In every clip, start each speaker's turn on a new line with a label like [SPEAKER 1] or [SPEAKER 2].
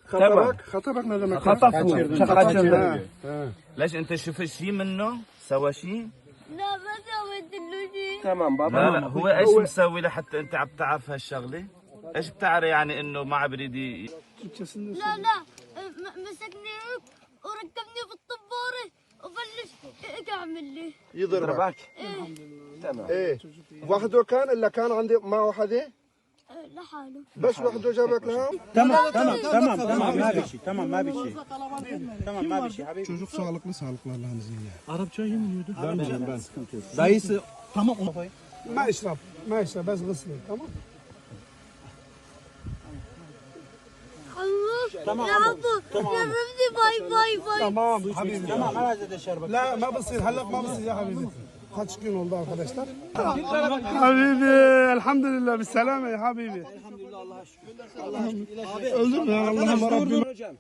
[SPEAKER 1] خطبك ne demek?
[SPEAKER 2] خطفوا
[SPEAKER 1] Kaçırdı.
[SPEAKER 2] ليش انت شفت شيء منه سوى شيء
[SPEAKER 3] لا ما سويت له شيء.
[SPEAKER 4] تمام بابا.
[SPEAKER 2] لا لا هو ايش مسوي لحتى انت عم تعرف هالشغله ايش بتعرف يعني انه ما بريد
[SPEAKER 3] لا لا مسكني هيك وركبني في الطبارة وبلش هيك اعمل لي.
[SPEAKER 4] يضربك.
[SPEAKER 1] تمام. ايه وحده كان الا كان عندي معه حدا؟
[SPEAKER 3] لحاله.
[SPEAKER 1] بس وحده جابك لها؟
[SPEAKER 5] Tamam ما bir şey. Tamam ما bir şey. Tamam ما bir şey habibi.
[SPEAKER 1] Çocuk sağlıklı Allah'ın izniyle.
[SPEAKER 5] Arapça yemiyordu. Ben. Dayısı tamam onu koy.
[SPEAKER 1] ما اشرب بس غسله تمام؟
[SPEAKER 3] تمام يا عبو يا ربي باي باي باي.
[SPEAKER 1] Tamam حبيبي.
[SPEAKER 5] Tamam herhalde şerbet.
[SPEAKER 1] لا ما بصير هلا ما بصير يا حبيبي. Kaç gün oldu arkadaşlar? Habibi elhamdülillah بالسلامة ya habibi. Öldürme ya Allah'ım Rabbim.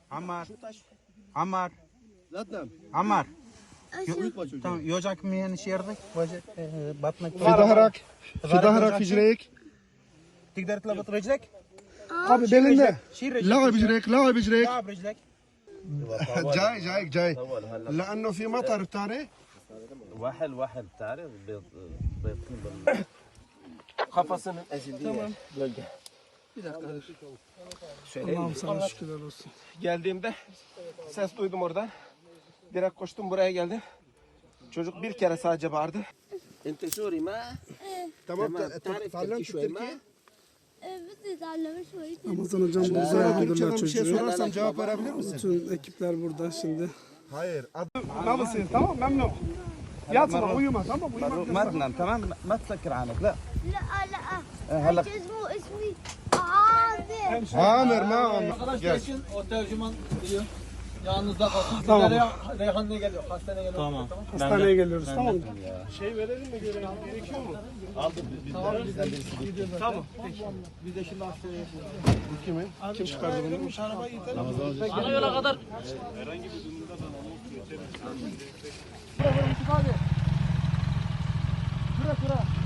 [SPEAKER 5] Ammar. Tamam yocak mı yani şerbet? Batmak.
[SPEAKER 1] في ظهرك في رجليك.
[SPEAKER 5] تقدر تلبط رجلك؟
[SPEAKER 1] abi belinde.
[SPEAKER 5] شيل رجلك.
[SPEAKER 1] لا برجليك
[SPEAKER 5] لعب رجلك.
[SPEAKER 1] جاي لانه في مطر تاني.
[SPEAKER 2] واحد بتعرف بيطين
[SPEAKER 4] Kafasını ezildi. Tamam. Bölge. Bir dakika.
[SPEAKER 1] Allah'ım sana şükürler olsun.
[SPEAKER 4] Geldiğimde ses duydum oradan. Direkt koştum buraya geldim. Çocuk bir kere sadece bağırdı. Ente Suri ma?
[SPEAKER 1] Tamam
[SPEAKER 4] تعرف
[SPEAKER 1] تعلمت
[SPEAKER 4] تحكي شوي ما؟
[SPEAKER 3] بس يتعلم شوي.
[SPEAKER 1] Ramazan hocam burada aldılar
[SPEAKER 4] bir şey
[SPEAKER 1] çocuğu.
[SPEAKER 4] sorarsam cevap verebilir misin?
[SPEAKER 1] Bütün ekipler burada şimdi. Hayır. ما بصير tamam memnun. Yatma uyuma tamam uyuma.
[SPEAKER 2] ما تنام تمام ما تسكر عينك لا
[SPEAKER 3] لا لا
[SPEAKER 2] هلا
[SPEAKER 3] اسمي عادل.
[SPEAKER 1] Amir ma
[SPEAKER 6] Arkadaşlar için o tercüman geliyor. Yanınızda kalsın.
[SPEAKER 1] Tamam.
[SPEAKER 6] Reyhan ne geliyor? Hastane geliyor.
[SPEAKER 5] Tamam.
[SPEAKER 1] hastaneye geliyoruz tamam mı?
[SPEAKER 6] Biz de şimdi hastaneye yapıyoruz.
[SPEAKER 1] Kim çıkardı bunu?
[SPEAKER 6] Ana yola kadar.
[SPEAKER 1] Kura.